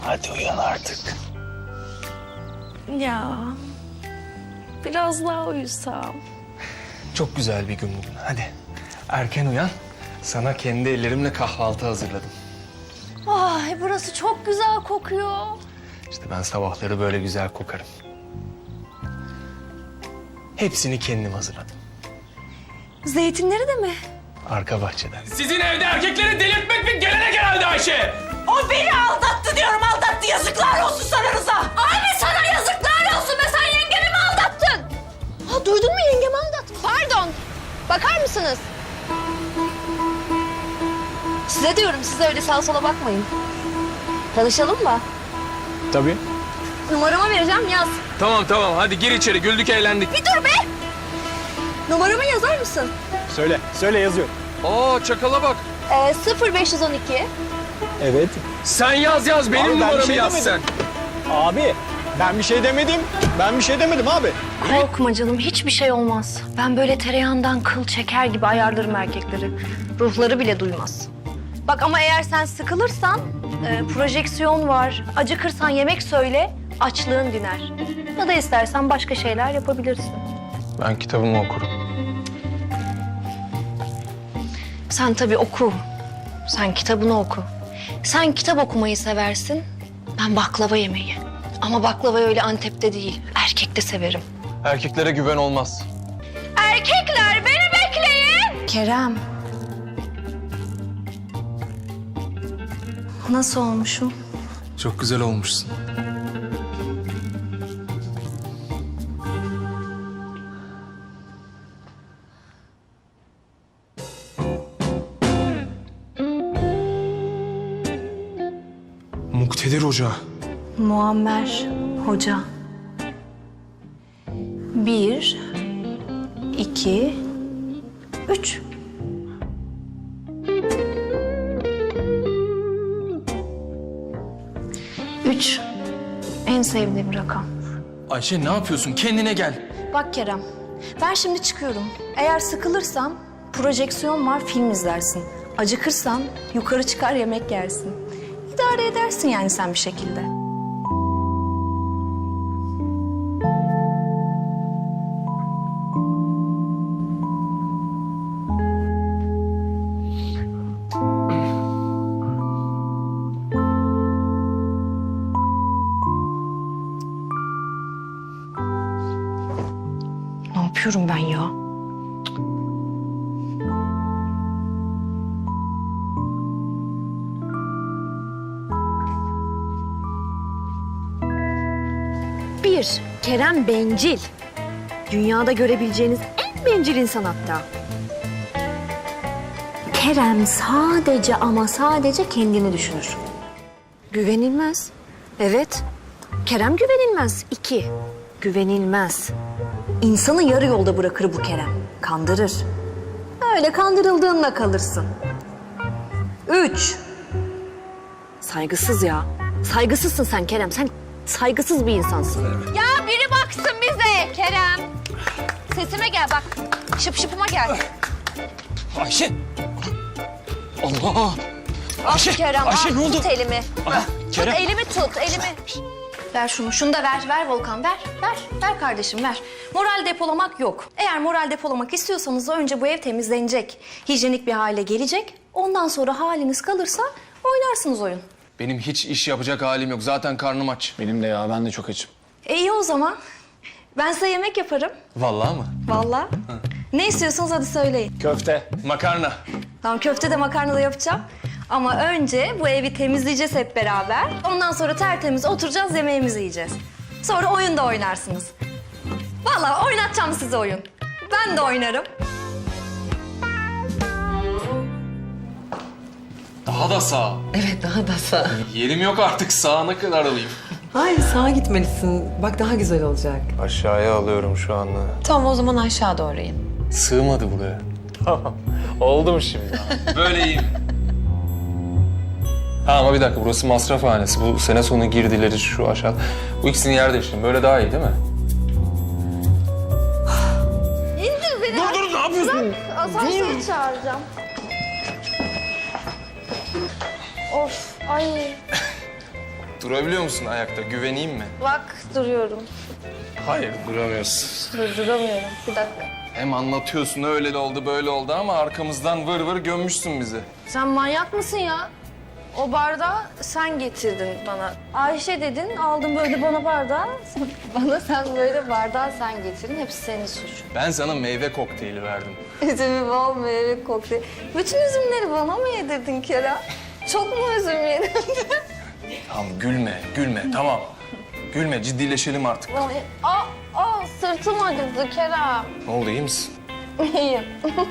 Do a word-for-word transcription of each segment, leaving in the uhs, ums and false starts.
Hadi uyan artık. Ya biraz daha uyusam. Çok güzel bir gün bugün. Hadi erken uyan. Sana kendi ellerimle kahvaltı hazırladım. Ay burası çok güzel kokuyor. İşte ben sabahları böyle güzel kokarım. Hepsini kendim hazırladım. Zeytinleri de mi? Arka bahçeden. Sizin evde erkekleri delirtmek bir gelenek herhalde Ayşe. O beni aldattı diyorum, aldattı. Yazıklar olsun sana Rıza. Anne sana yazıklar olsun be, sen yengemi mi aldattın? Ha, duydun mu, yengemi aldattın. Pardon, bakar mısınız? Size diyorum, size öyle sağa sola bakmayın. Tanışalım mı? Tabii. Numaramı vereceğim, yaz. Tamam tamam hadi gir içeri güldük eğlendik. Bir dur be! Numaramı yazar mısın? Söyle, söyle yazıyor. Aa çakala bak. Ee, sıfır beş yüz on iki. Evet. Sen yaz yaz benim Abi, ben bir numaramı şey yaz demedim. sen. Abi, ben bir şey demedim. Ben bir şey demedim abi. Korkma canım, hiçbir şey olmaz. Ben böyle tereyağından kıl çeker gibi ayarlarım erkekleri. Ruhları bile duymaz. Bak ama eğer sen sıkılırsan, e, projeksiyon var. Acıkırsan yemek söyle, açlığın diner. Ya da istersen başka şeyler yapabilirsin. Ben kitabımı okurum. Sen tabii oku. Sen kitabını oku. Sen kitap okumayı seversin, ben baklava yemeyi. Ama baklavayı öyle Antep'te değil, erkekte severim. Erkeklere güven olmaz. Erkekler beni bekleyin. Kerem. Nasıl olmuşum? Çok güzel olmuşsun. Muktedir Hoca. Muammer Hoca. Bir, iki, üç. Üç. En sevdiğim rakam. Ayşe ne yapıyorsun kendine gel. Bak Kerem, ben şimdi çıkıyorum. Eğer sıkılırsan projeksiyon var, film izlersin. Acıkırsan yukarı çıkar yemek yersin. İdare edersin yani sen bir şekilde. Ne yapıyorum ben ya? Bir, Kerem bencil. Dünyada görebileceğiniz en bencil insan hatta. Kerem sadece ama sadece kendini düşünür. Güvenilmez. Evet. Kerem güvenilmez. İki, güvenilmez. İnsanı yarı yolda bırakır bu Kerem. Kandırır. Öyle kandırıldığınla kalırsın. Üç. Saygısız ya. Saygısızsın sen Kerem. Sen saygısız bir insansın. Ya biri baksın bize Kerem. Sesime gel bak. Şıp şıpıma gel. Ayşe. Allah. Ayşe, Kerem, Ayşe, al, ne oldu? Tut elimi. Aa, Kerem. Tut elimi tut, elimi. Ver şunu, şunu da ver, ver Volkan, ver, ver, ver kardeşim, ver. Moral depolamak yok. Eğer moral depolamak istiyorsanız da önce bu ev temizlenecek. Hijyenik bir hale gelecek. Ondan sonra haliniz kalırsa oynarsınız oyun. Benim hiç iş yapacak halim yok. Zaten karnım aç. Benim de ya, ben de çok açım. E iyi o zaman. Ben size yemek yaparım. Vallahi mı? Vallahi. Ne istiyorsunuz hadi söyleyin. Köfte. Makarna. Tamam, köfte de makarna da yapacağım. Ama önce bu evi temizleyeceğiz hep beraber. Ondan sonra tertemiz oturacağız, yemeğimizi yiyeceğiz. Sonra oyun da oynarsınız. Vallahi oynatacağım size oyun. Ben de oynarım. Daha da sağ. Evet, daha da sağ. Yerim yok artık. Sağına kadar alayım. Hayır, sağa gitmelisin. Bak daha güzel olacak. Aşağıya alıyorum şu anda. Tamam, o zaman aşağı doğru in. Sığmadı buraya. Tamam. Oldu mu şimdi? Böyle iyiyim. Ha ama bir dakika, burası masrafhanesi. Bu sene sonu girdileri şu aşağı. Bu ikisini yer değiştirin. Böyle daha iyi değil mi? İndir beni. Dur dur ne yapıyorsun? Asansörü çağıracağım. Of, ay. Durabiliyor musun ayakta? Güveneyim mi? Bak duruyorum. Hayır, duramıyorsun. Durduramıyorum. Bir dakika. Hem anlatıyorsun öyle de oldu böyle oldu ama arkamızdan vır vır gömmüşsün bizi. Sen manyak mısın ya? O bardağı sen getirdin bana. Ayşe dedin, aldın böyle bana bardağı. Bana sen böyle bardağı sen getirdin. Hepsi senin suçun. Ben sana meyve kokteyli verdim. Üzümü bol meyve kokteyl. Bütün üzümleri bana mı yedirdin Kerem? Çok mu üzüm yedin? Tamam gülme, gülme tamam. Gülme, ciddileşelim artık. Aa, aa, sırtım acıdı Kerem. Ne oldu, iyi misin? İyiyim.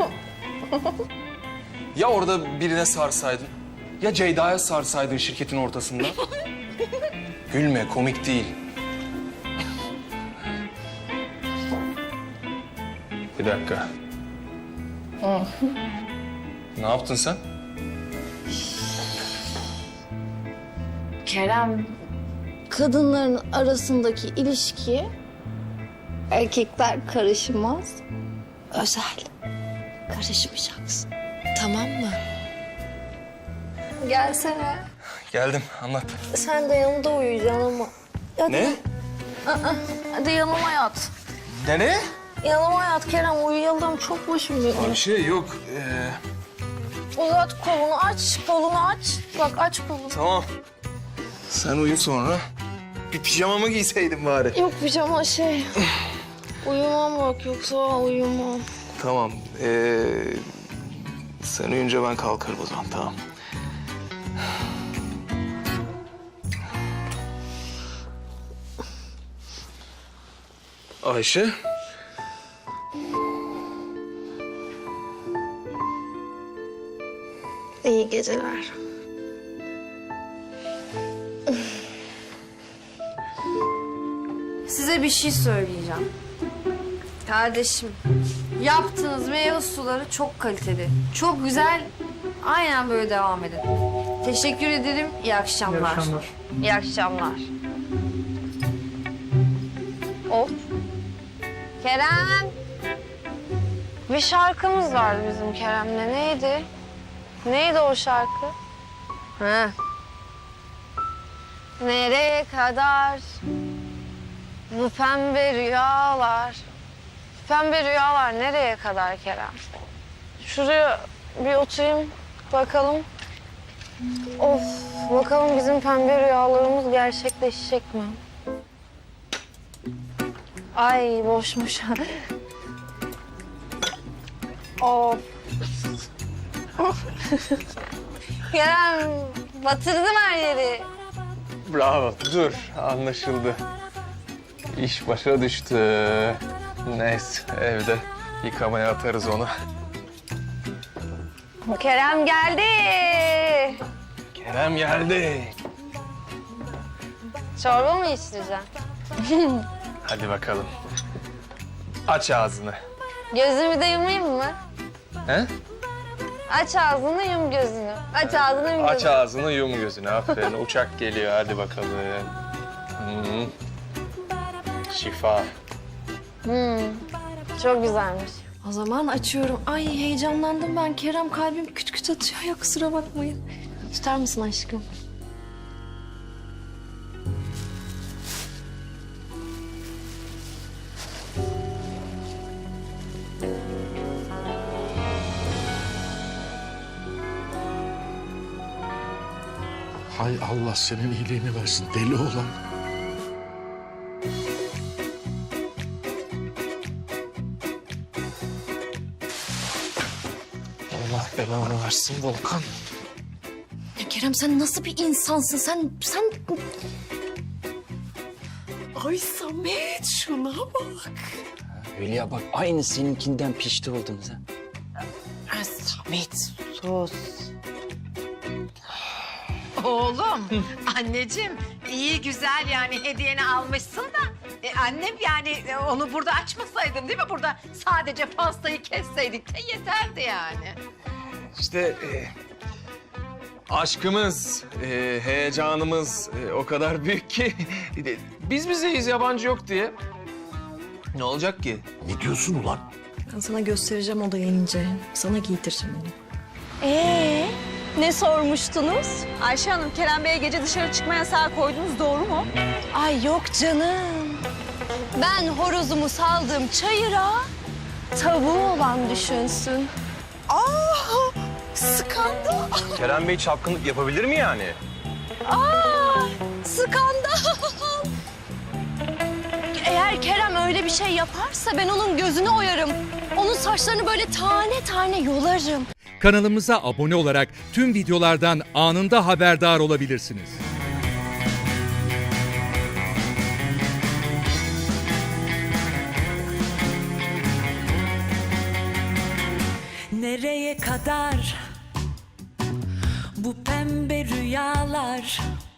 Ya orada birine sarsaydın? Ya Ceyda'ya sarsaydın şirketin ortasında? Gülme, komik değil. Bir dakika. Ne yaptın sen? Kerem, kadınların arasındaki ilişki erkekler karışmaz, özel. Karışmayacaksın. Tamam mı? Gelsene. Geldim, anlat. Sen de yanımda uyuyacaksın ama. Hadi. Ne? Hadi yanıma yat. Nereye? Yanıma yat Kerem, uyuyalım. Çok başım dönüyor. Bir şey yok. Ee, Uzat kolunu, aç. Kolunu aç. Bak aç kolunu. tamam. Sen uyu sonra. Bir pijamamı giyseydin bari. Yok pijama şey. Uyumam bak, yoksa uyumam. Tamam. Ee, sen uyuyunca ben kalkarım o zaman, tamam. Ayşe. İyi geceler. Size bir şey söyleyeceğim. Kardeşim, yaptığınız meyve suları çok kaliteli. Çok güzel. Aynen böyle devam edin. Teşekkür ederim. İyi akşamlar. İyi akşamlar. İyi akşamlar. Of. Kerem. Bir şarkımız vardı bizim Kerem'le. Neydi? Neydi o şarkı? Ha. Nereye kadar bu pembe rüyalar? Pembe rüyalar nereye kadar Kerem? Şuraya bir oturayım bakalım. Of, bakalım bizim pembe rüyalarımız gerçekleşecek mi? Ay boşmuş. Of. Kerem, batırdım her yeri. Bravo. Dur, anlaşıldı. İş başa düştü. Neyse, evde yıkamaya atarız onu. Kerem geldi. Kerem geldi. Çorba mı içireceksin? Hadi bakalım. Aç ağzını. Gözümü de yumayım mı? He? Aç ağzını, yum gözünü. Aç ağzını, yum Aç gözünü. ağzını, yum gözünü. Aferin. Uçak geliyor. Hadi bakalım. Hmm. Şifa. Hmm, çok güzelmiş. O zaman açıyorum. Ay heyecanlandım ben. Kerem kalbim küt küt atıyor ya, kusura bakmayın. Tutar mısın aşkım? Hay Allah senin iyiliğini versin deli olan. Allah belanı versin Volkan. Ya Kerem sen nasıl bir insansın? Sen, sen... Ay Samet şuna bak. Hülya bak aynı seninkinden pişti oldunuz ha. Ay Samet sus. Oğlum, anneciğim iyi güzel yani hediyeni almışsın da... E, annem yani e, onu burada açmasaydım değil mi? Burada sadece pastayı kesseydik de yeterdi yani. İşte e, aşkımız, e, heyecanımız e, o kadar büyük ki e, biz bizeyiz yabancı yok diye. Ne olacak ki? Ne diyorsun ulan? Ben sana göstereceğim o da gelince. Sana giydireceğim onu. Ee, Ne sormuştunuz? Ayşe Hanım, Kerem Bey'e gece dışarı çıkma yasağı koydunuz, doğru mu? Ay yok canım. Ben horozumu saldım çayıra, tavuğu olan düşünsün. Aa, skandal. Kerem Bey çapkınlık yapabilir mi yani? Aa, skandal. Eğer Kerem öyle bir şey yaparsa ben onun gözünü oyarım. Onun saçlarını böyle tane tane yolarım. Kanalımıza abone olarak tüm videolardan anında haberdar olabilirsiniz. Nereye kadar bu pembe rüyalar?